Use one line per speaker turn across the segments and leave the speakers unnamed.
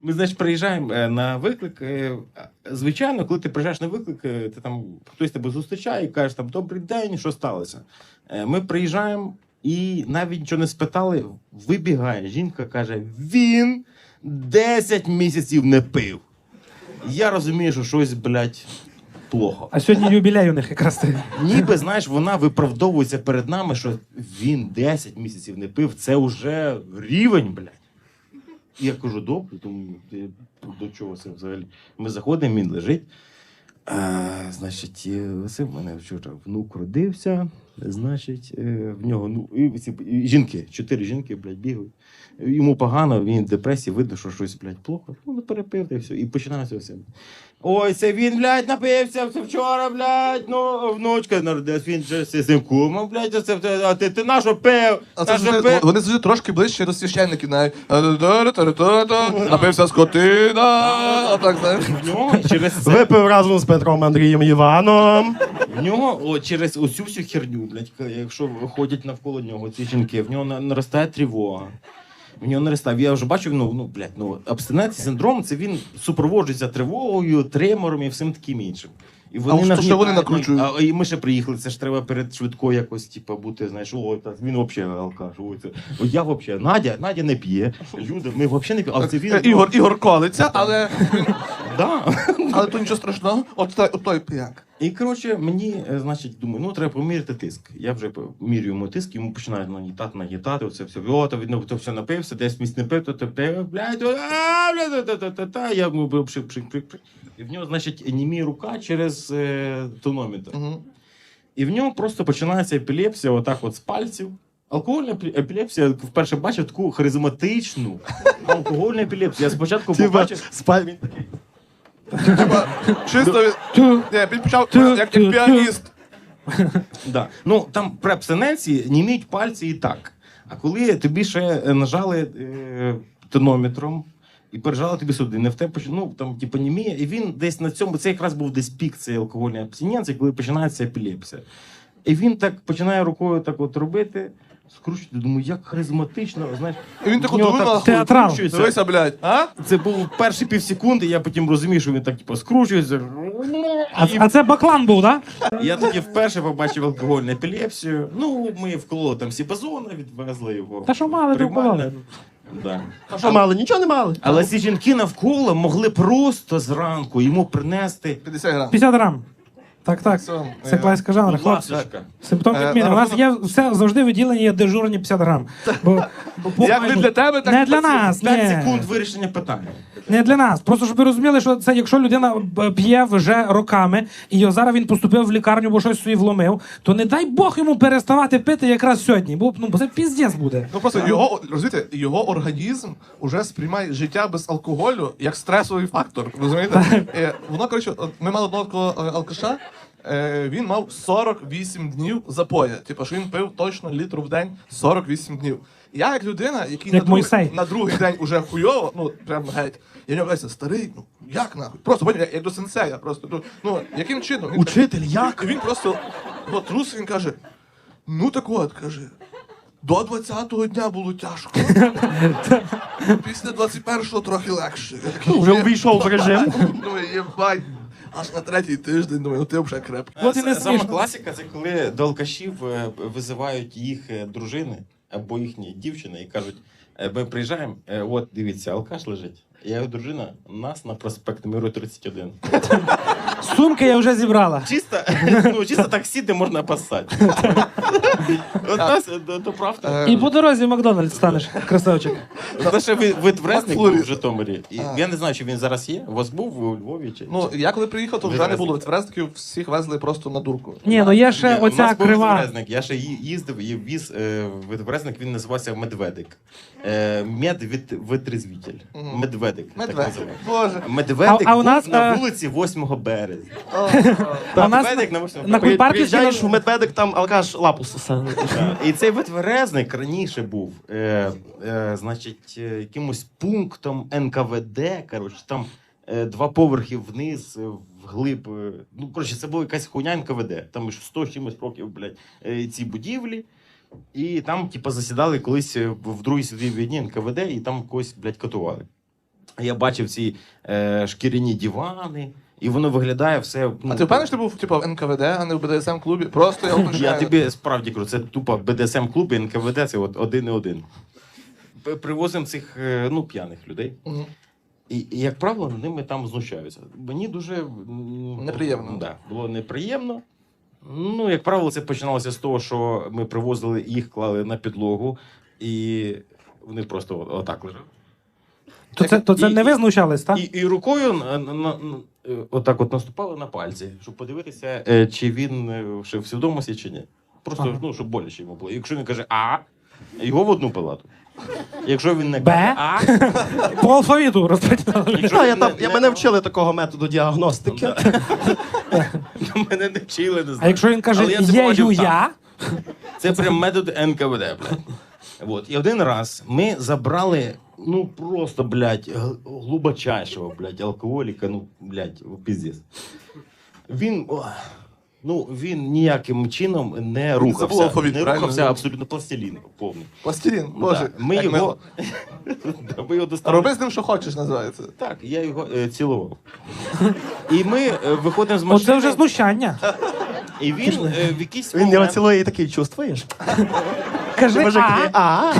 Ми, значить, приїжджаємо на виклик. Звичайно, коли ти приїжджаєш на виклик, ти там хтось тебе зустрічає і каже, там, добрий день, що сталося? Ми приїжджаємо і навіть нічого не спитали, вибігає. Жінка каже, він 10 місяців не пив. Я розумію, що щось, блядь, плохо.
А сьогодні юбілей у них якраз ти.
Ніби, знаєш, вона виправдовується перед нами, що він 10 місяців не пив, це вже рівень, блядь. І я кажу, добре, тому ти до чого це взагалі? Ми заходимо, він лежить. Значить, Василь, в мене вчора внук родився, значить, в нього, ну, і жінки, 4 жінки, блядь, бігають. Йому погано, він в депресії, видно, що щось, блядь, плохо. Ну, не перепив, та і все. І починається все. Ой, це він, блядь, напився, це вчора, блядь, ну, внучка народилась, він же з цим кумом, блядь, а ти на що пив?
Вони завжди трошки ближче до священників, навіть. Напився скотина, а так, знаєш.
В нього через це...
Випив разом з Петром Андрієм Іваном.
В нього через оцю всю херню, блядь, якщо ходять навколо нього ці жінки, в нього наростає тривога. В нього наростає. Я вже бачив, абстиненційний синдром, це він супроводжується тривогою, тремором і всім таким іншим. І
що вони накручують?
І ми ще приїхали, це ж треба перед швидкою якось, типу, бути, знаєш, він взагалі алкаш. Я взагалі, Надя не п'є, люди, ми взагалі не п'ємо, але це він...
Ігор колиться, але...
Да.
Але то нічого страшного, от той п'як.
І, коротше, мені, значить, думаю, треба поміряти тиск. Я вже мірю йому тиск, йому починають нагітати, оце все. То все напився, десь місць не пив, то блядь, я йому і в нього, значить, німіє рука через тонометр. І в нього просто починається епілепсія отак от з пальців. Алкогольна епілепсія, вперше бачив таку харизматичну алкогольну епілепсію. Я спочатку побачив...
Він такий.
Чисто він почав як піаніст.
Да. Ну, там при абстиненції німіють пальці і так. А коли тобі ще нажали тонометром і пережали тобі сюди, не в те, там, типу, німіє, і він десь на цьому, це якраз був десь пік цієї алкогольної абстиненції, коли починається епілепсія. І він так починає рукою так от робити, скручувати, думаю, як харизматично, знаєш.
І він так от
театрал.
Дивися, блядь, а?
Це був перші півсекунди, я потім розумів, що він так, типу, скручується.
А це баклан був, так?
Я тоді вперше побачив алкогольну епілепсію. Ну, ми вкололи там сібазона, відвезли його.
Та що мали, то вкололи.
Да.
А що мали? Нічого не мали.
Але ці жінки навколо могли просто зранку йому принести
50 грам.
50 грам. Так. Це класика жанра, хлопці.
ласочка.
Симптом відміни. У нас є все завжди виділені є дежурні 50 грам.
Як не для тебе, так
не для нас.
5
ні.
секунд вирішення питання.
Не для нас. Просто щоб ви розуміли, що це якщо людина п'є вже роками, і зараз він поступив в лікарню, бо щось собі вломив, то не дай Бог йому переставати пити якраз сьогодні. Бо це піздець буде.
Ну просто його організм уже сприймає життя без алкоголю як стресовий фактор. Розумієте? Воно, коротше, ми мали одного такого алкаша. Він мав 48 днів запоя. Типу, що він пив точно літру в день 48 днів. Я як людина, який на другий день уже хуйово, ну прям геть. Я нього кажу, старий, ну як нахуй? Просто потім як до сенсея, просто ну яким чином?
Учитель, як?
І він просто трус, він каже: ну так от, каже. До 20-го дня було тяжко. Після 21-го трохи легше.
Вже увійшов в режим.
Думаю, єбать. Аж на третій тиждень, думаю, ну ти вже крепкий.
От і не
Саме
смішно.
класика, це коли до алкашів визивають їх дружини або їхні дівчини і кажуть, ми приїжджаємо, от дивіться, алкаш лежить. Я його дружина, нас на проспект Миру 31.
Сумки я вже зібрала.
Чисто таксі, де можна поссати. От нас, то правда.
І по дорозі в Макдональдс станеш, красавчик.
Це ще витврезник був в Житомирі. Я не знаю, чи він зараз є. У вас був у Львові?
Ну, я коли приїхав, то вже не було відврезників, всіх везли просто на дурку.
Ні, ну є ще оця крива.
Відврезник. Я ще їздив і віз відврезник, він називався Медведик. Медвитрезвитель. Медведик. Так називається.
Боже.
Медведик
А у нас,
був на вулиці 8 березня.
А у нас
Медведик на 8
на
березня.
Кульпарківській
Приїжджаєш в медведик, там алкаш лапу сосе.
І цей витверезник раніше був, значить, якимось пунктом НКВД, коротше, там 2 поверхи вниз, вглиб, ну, коротше, це була якась хуйня НКВД, там 100 чимось років, блядь, ці будівлі, і там, типу, засідали колись в Другій світовій війні НКВД, і там когось, блядь, катували. Я бачив ці шкіряні дивани, і воно виглядає все.
А ти впевнений, що ти був типу, в НКВД, а не в БДСМ-клубі? Просто я уточняю.
Я тобі справді кажу, це тупо БДСМ-клуб і НКВД, це от один і один. Привозимо цих п'яних людей.
Мгм.
І, як правило, над ними там знущаються. Мені дуже
Неприємно.
Да, було неприємно. Ну, як правило, це починалося з того, що ми привозили їх, клали на підлогу, і вони просто отак лежали.
То це не ви знущались, так?
І рукою отак от наступали на пальці, щоб подивитися, чи він ще в свідомості, чи ні. Просто,
Ага.
щоб боляче йому було. Якщо він каже А, його в одну палату. Якщо він не
Б?
каже А,
По алфавіту розподіляли.
якщо
Та,
він
я мене вчили такого методу діагностики.
мене не вчили, не знаю.
А якщо він каже
Але я це
є
побачив
ю
сам.
я,
Це прям метод НКВД, блядь. Вот. І один раз ми забрали, просто, блядь, глибочайшого, блядь, алкоголіка, блядь, піздець. Він ніяким чином не
забув
рухався.
алфавіт,
Не
правильно?
рухався абсолютно пластилін повний.
Пластилін, боже.
Да. Ми
як
його,
мило.
ми його достали.
Роби з ним, що хочеш, називається.
Так, я його цілував. І ми виходимо з машини,
оце вже знущання.
і він в якийсь
Він його
момент...
цілує і такий, чувствуєш?
Кажи
Мужик
а.
такий, а.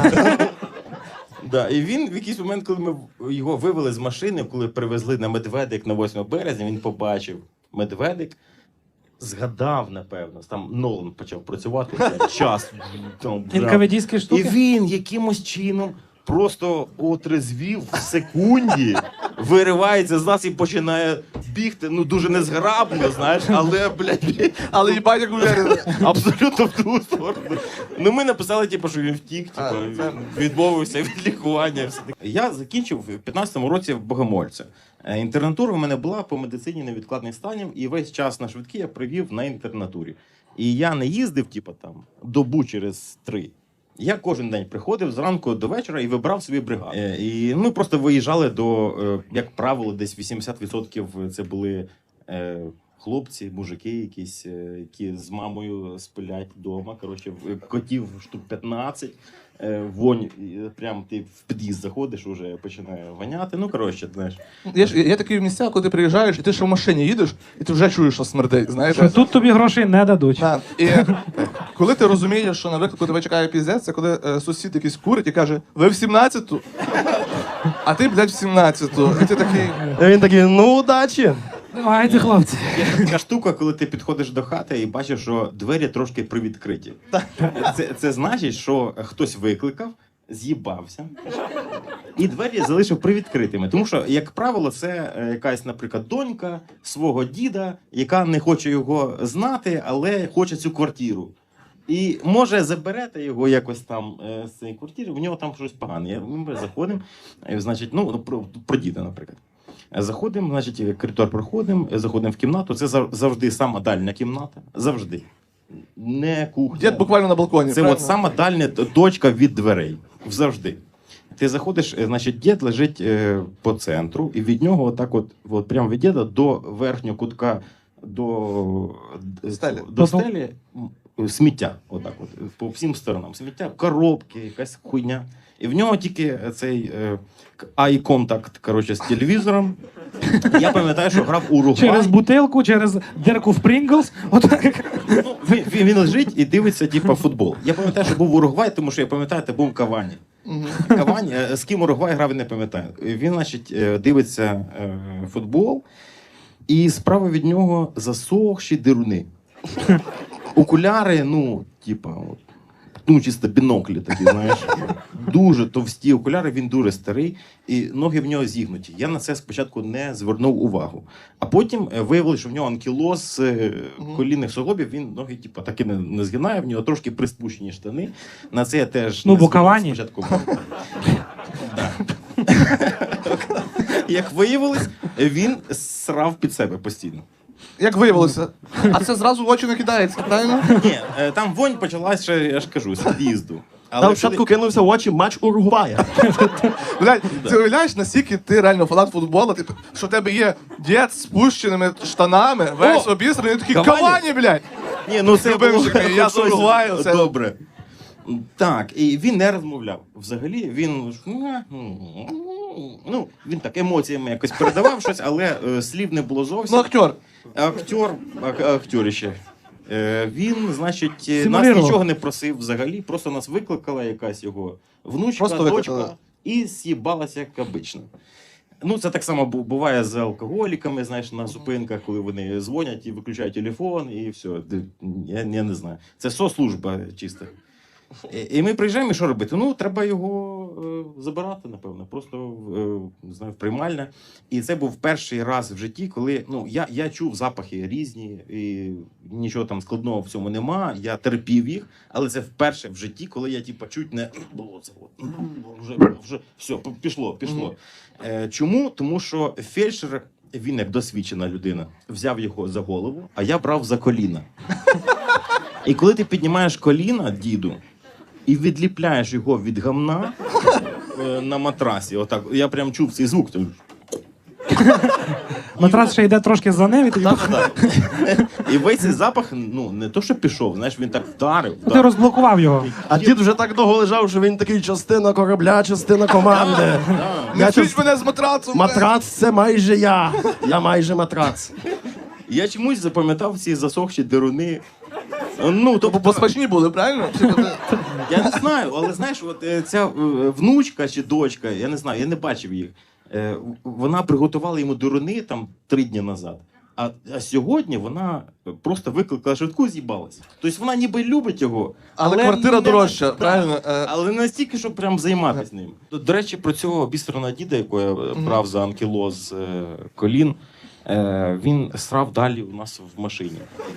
Да, і він в якийсь момент, коли ми його вивели з машини, коли привезли на Медведик на 8 березня, він побачив Медведик, згадав, напевно, там Нолан почав працювати час.
НКВДські
І
штуки.
він якимось чином просто отрезвів в секунді, виривається з нас і починає бігти, дуже незграбно, знаєш, але, блядь,
Але їбать, як уверений.
абсолютно в ту сторону. Ми написали, що він втік,
це-
відмовився від лікування. Все таке. Я закінчив в 15-му році в Богомольця. Інтернатура в мене була по медицині невідкладних станів, і весь час на швидкі я провів на інтернатурі. І я не їздив, добу через 3. Я кожен день приходив зранку до вечора і вибрав свої бригади. І ми просто виїжджали до, як правило, десь 80% це були хлопці, мужики якісь, які з мамою спилять вдома. Коротше, котів штук 15. Вонь, прям ти в під'їзд заходиш, уже починає воняти. Знаєш.
Є такі місця, коли ти приїжджаєш, і ти ще в машині їдеш, і ти вже чуєш, що смердить, знаєш?
Що тут тобі грошей не дадуть.
Да. І коли ти розумієш, що на виклику тебе чекає піздець, це коли сусід якийсь курить і каже, ви в 17-ту? А ти, блядь, в 17-ту. І ти такий,
І він такий, удачі.
Давайте, хлопці.
Є така штука, коли ти підходиш до хати і бачиш, що двері трошки привідкриті. Це значить, що хтось викликав, з'їбався, і двері залишив привідкритими. Тому що, як правило, це якась, наприклад, донька свого діда, яка не хоче його знати, але хоче цю квартиру. І може заберете його якось там з цієї квартири, в нього там щось погане. Ми заходимо, значить, про діда, наприклад. Заходимо, значить, коридор проходимо, заходимо в кімнату. Це завжди сама дальня кімната. Завжди. Не кухня.
дід буквально на балконі.
Це
правильно?
от сама дальня точка від дверей. Завжди. Ти заходиш, значить, дід лежить по центру, і від нього от прямо від діда до верхнього кутка, до стелі сміття. Отак от, по всім сторонам. Сміття, коробки, якась хуйня. І в нього тільки цей eye contact, коротше, з телевізором. Я пам'ятаю, що грав Уругвай.
Через бутилку, через дирку в Прінглс. Отак.
Він лежить і дивиться, футбол. Я пам'ятаю, що був Уругвай, тому що я пам'ятаю, це був Кавані. Кавані, з ким Уругвай грав, я не пам'ятаю. Він, значить, дивиться футбол, і справа від нього засохші дируни. Окуляри, чисто біноклі такі, знаєш. Дуже товсті окуляри, він дуже старий, і ноги в нього зігнуті. Я на це спочатку не звернув увагу. А потім виявилося, що в нього анкілоз колінних суглобів, він ноги таки не згинає, в нього трошки приспущені штани. На це я теж не
бо Кавані.
спочатку. Як виявилось, він срав під себе постійно.
Як виявилося. А це зразу в очі не кидається, правильно?
Ні, там вонь почалась ще, я ж кажу, з під'їзду. Але
Там спочатку кинувся в очі матч Уругвая.
Блядь, ти уявляєш, наскільки ти реально фанат футболу, що в тебе є дід з спущеними штанами, весь обісраний, такий
Кавані?
Кавані, блядь!
Ні, це
Любимчик
було
мій, я з
щось
Уругваю, це-
добре. Так, і він не розмовляв. Взагалі, він Ну, він так емоціями якось передавав щось, але слів не було зовсім.
Ну, актер.
Актер ще. Він, значить, нас
Симулював.
нічого не просив взагалі, просто нас викликала якась його внучка,
Просто
дочка,
викликала.
і з'їбалася, як обично. Ну, це так само буває з алкоголіками, знаєш, на зупинках, коли вони дзвонять і виключають телефон, і все. Я не знаю. Це соцслужба чиста. І ми приїжджаємо, і що робити? Ну, треба його забирати, напевно, просто не знаю, в приймальне. І це був перший раз в житті, коли ну, я чув запахи різні, і нічого там складного в цьому нема, я терпів їх, але це вперше в житті, коли я типу, чуть не було це. Вже все, пішло. Чому? Тому що фельдшер, він як досвідчена людина, взяв його за голову, а я брав за коліна. І коли ти піднімаєш коліна, діду, і відліпляєш його від гамна на матрасі, отак, я прям чув цей звук.
Матрас ще йде трошки за ним, і тоді
І весь цей запах, ну, не то, що пішов, знаєш, він так вдарив.
ти розблокував його.
А дід вже так довго лежав, що він такий частина корабля, частина команди.
Не
Я
чуть мене з матрацу.
Матрац це майже я. Я майже матрац.
Я чомусь запам'ятав ці засохші деруни. Ну, тобто,
Бо смачні були, правильно? Чи буде?
я не знаю, але знаєш, от ця внучка чи дочка, я не знаю, я не бачив їх. Вона приготувала йому деруни там 3 дні назад. А сьогодні вона просто викликала швидку і з'їбалася. Тобто вона ніби любить його.
Але квартира
не-
дорожча,
да,
правильно?
Але не настільки, щоб прям займатися ним. До речі, про цього бісерного діда, якого я брав за анкілоз колін, він срав далі у нас в машині.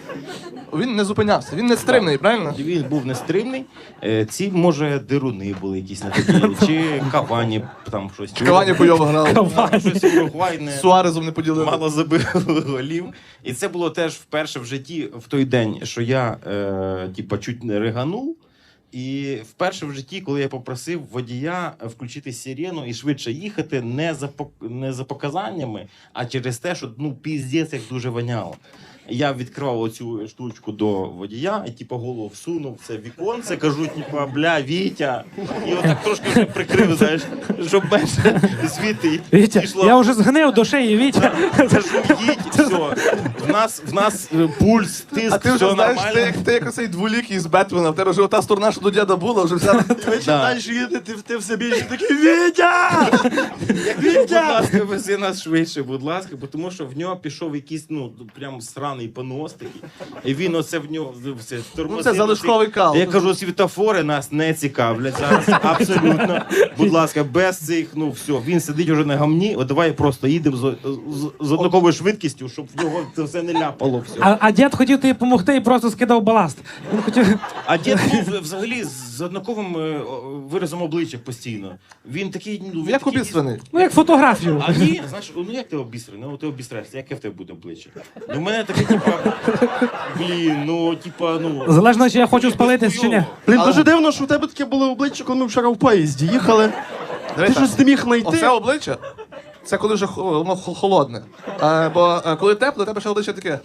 Він не зупинявся, він не стримний, правильно?
Він був нестримний. Ці, може, деруни були якісь не такі, чи кавані там щось.
Кавані бойово грав.
Там щось уругвайне.
З Суарезом не поділили.
Мало забили голів. І це було теж вперше в житті в той день, що я типа чуть не риганув. І вперше в житті, коли я попросив водія включити сирену і швидше їхати, не за показаннями, а через те, що ну піздець як дуже воняло. Я відкривав оцю штучку до водія і типу голову всунув в це віконце, кажу, типу, бля, Вітя. І отак трошки вже прикрив, знаєш, щоб менше звідти
Вітя,
пішло.
я вже згнив до шиї, Вітя.
Кажу, їдь, все. В нас пульс, тиск,
А ти
все
вже знаєш,
нормально.
ти як оцей дволікий з Бетмена, в тебе вже ота сторона, що до діда була, вже вся.
Ви чим далі їдете, ти все більше такий Вітя!
Будь ласка, вези нас швидше, будь ласка, бо тому що в нього пішов якийсь, ну, прям сраний понос такий. І він оце в нього все
Ну це залишковий кал.
Я кажу, світофори нас не цікавлять зараз. Абсолютно. Будь ласка, без цих, ну все, він сидить уже на гамні, от давай просто їдемо з однаковою швидкістю, щоб в нього це все не ляпало все.
А дід хотів тобі допомогти і просто скидав баласт. Він хотів.
А дід був взагалі з однаковим виразом обличчя постійно. Він такий, ну, він
Як
такий-
обіцяний.
Ну, як фотографію.
А ні, знаєш, ну як ти обістрений? Ну ти обістрешся, яке в тебе буде обличчя? Ну в мене таке, типа, блін, ну типа, ну.
Залежно, чи я хочу спалитись чи ні.
Блін, дуже дивно, що у тебе таке було обличчя, коли ми вчора в поїзді їхали. Ти
Дивись,
щось не міг знайти.
Оце обличчя, це коли вже воно холодне. Бо коли тепле, тебе ще обличчя таке.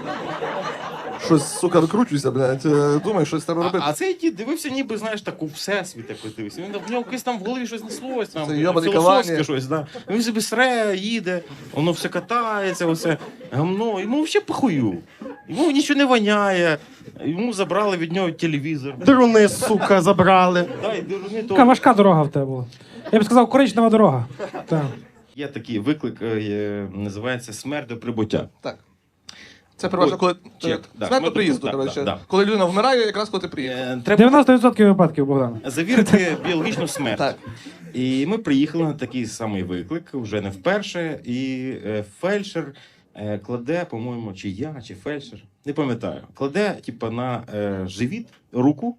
Щось, сука, викручуйся, блядь. Думаю, щось треба робити.
А цей дід дивився, ніби, знаєш, так у всесвіт якось дивився. Він в нього якось там в голові щось неслось, там
Це йобаний
філософське
Кавані.
щось, да. Він собі сре, їде, воно все катається, оце гамно. Йому взагалі похую. Йому нічого не воняє. Йому забрали від нього телевізор.
Деруни, сука, забрали.
Дай, дурни, то...
Така важка дорога в тебе була. Я б сказав, коричнева дорога. Так.
Є такий виклик, називається «Смерть до прибуття».
Так. Це переважно, коли
Чек, да.
смерть до
Ну,
приїзду.
да,
коротше.
да.
Коли людина вмирає, якраз коли ти приїхав.
Треба
90% випадків, Богдан.
завірити біологічну смерть.
Так.
І ми приїхали на такий самий виклик, вже не вперше, і фельдшер кладе, по-моєму, чи я, чи фельдшер, не пам'ятаю, кладе типу, на живіт руку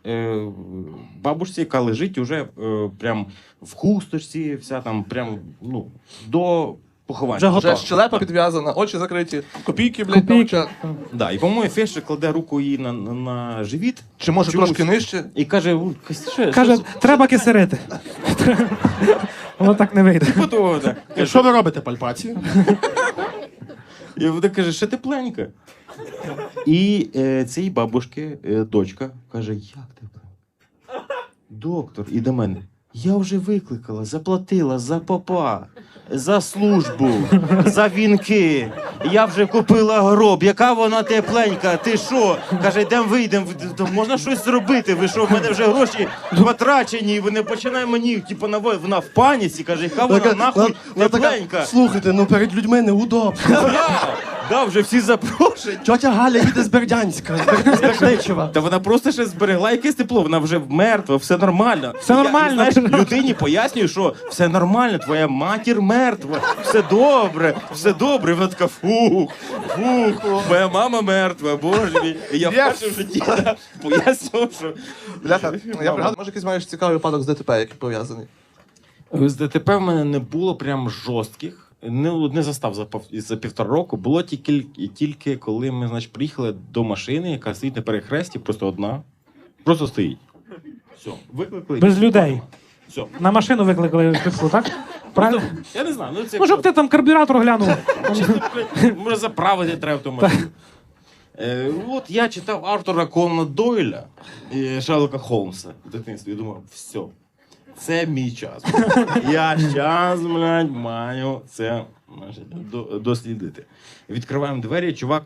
бабушці, яка лежить уже прям в хусточці, вся там прям, ну, до поховання.
Вже готова.
Вже щелепа підв'язана, очі закриті, копійки, блядь, на
Копійки.
очах.
Да, і, по-моєму, фельдшер кладе руку їй на живіт.
Чи може
Чомусь.
трошки нижче?
І каже,
Каже, треба кисерити. Воно так не вийде.
Що ви робите, пальпацію?
І вона каже, ще тепленько. І цій бабушки дочка каже, як тепленько? Доктор, і до мене. Я вже викликала, заплатила за попа, за службу, за вінки. Я вже купила гроб. Яка вона тепленька? Ти що? Каже, йдемо вийдемо. Можна щось зробити. Ви що, в мене вже гроші потрачені. І вони починають мені, типу, вона в паніці. Каже, яка вона нахуй тепленька.
Слухайте, ну перед людьми неудобно.
Да, вже всі запрошені.
Тьотя Галя їде з Бердянська, з Бердичева.
Та вона просто ще зберегла якесь тепло, вона вже мертва, все нормально.
Все нормально.
Я, знаєш, людині пояснюю, що все нормально, твоя матір мертва, все добре, все добре. І вона така, фух, моя мама мертва, боже мій. І я вперше в житті пояснював, що...
Бляха, я пригадую, може якийсь маєш цікавий випадок з ДТП, який пов'язаний.
З ДТП в мене не було прям жорстких. Не застав за 1,5 року. Було тільки коли ми, значить, приїхали до машини, яка стоїть на перехресті, просто одна. Просто стоїть. Все, викликали.
Без людей.
Все.
На машину викликали швидку, так? Правильно?
Я не знаю, ну це...
Ну, щоб ти там карбюратор глянув.
Може заправити треба в тому машину. От я читав Артура Конана Дойля і Шерлока Холмса в дитинстві і думав, все, це мій час. Я щас, блядь, маю це, значить, дослідити. Відкриваємо двері, чувак.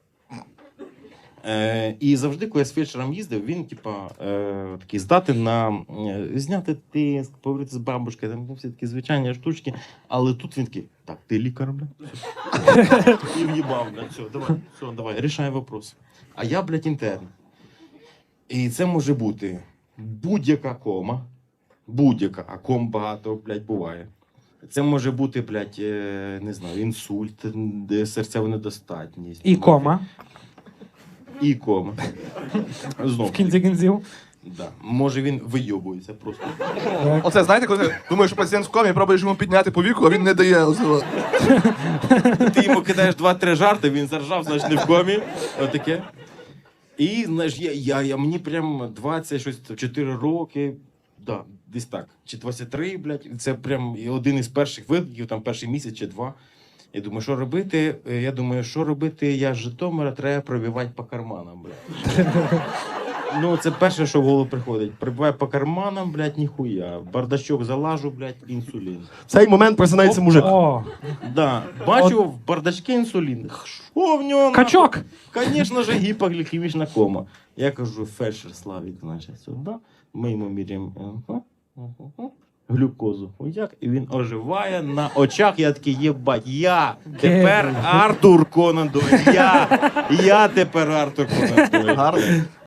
І завжди, коли я з фельдшером їздив, він, типа, такий здатен на зняти тиск, поговорити з бабушкою, там всі такі звичайні штучки. Але тут він такий, так, ти лікар, блядь? І в'їбав, блядь, все, давай, рішай вопрос. А я, блядь, інтерн. І це може бути будь-яка кома, будь-яка, а ком багато, блядь, буває. Це може бути, блядь, не знаю, інсульт, серцева недостатність.
І кома.
І кома. Знов.
В кінці кінців.
Да. Може він вийобується просто.
Оце, знаєте, коли ти думаєш, що пацієнт в комі, пробуєш йому підняти повіку, а він не дає. Оце.
Ти йому кидаєш 2-3 жарти, він заржав, значить не в комі. Отаке. І, знаєш, мені прям 24 роки, да, десь так, чи 23, блядь, це прям один із перших викликів, там перший місяць чи 2. Я думаю, що робити? Я з Житомира, треба пробивати по карманам, блядь. Ну, це перше, що в голову приходить. Пробиваю по карманам, блядь, ніхуя. Бардачок залажу, блядь, інсулін.
В цей момент просинається мужик.
О,
Да, бачу в бардачке інсулін. Що в нього?
качок.
Звісно ж, гіпоглікемічна кома. Я кажу, фельдшер Славік, значить, сюди. Ми йому міряємо глюкозу. Як? І він оживає на очах. Я такий, єбать, я тепер Артур Конан Дойль. Я тепер Артур Конан Дойль.
Гарно.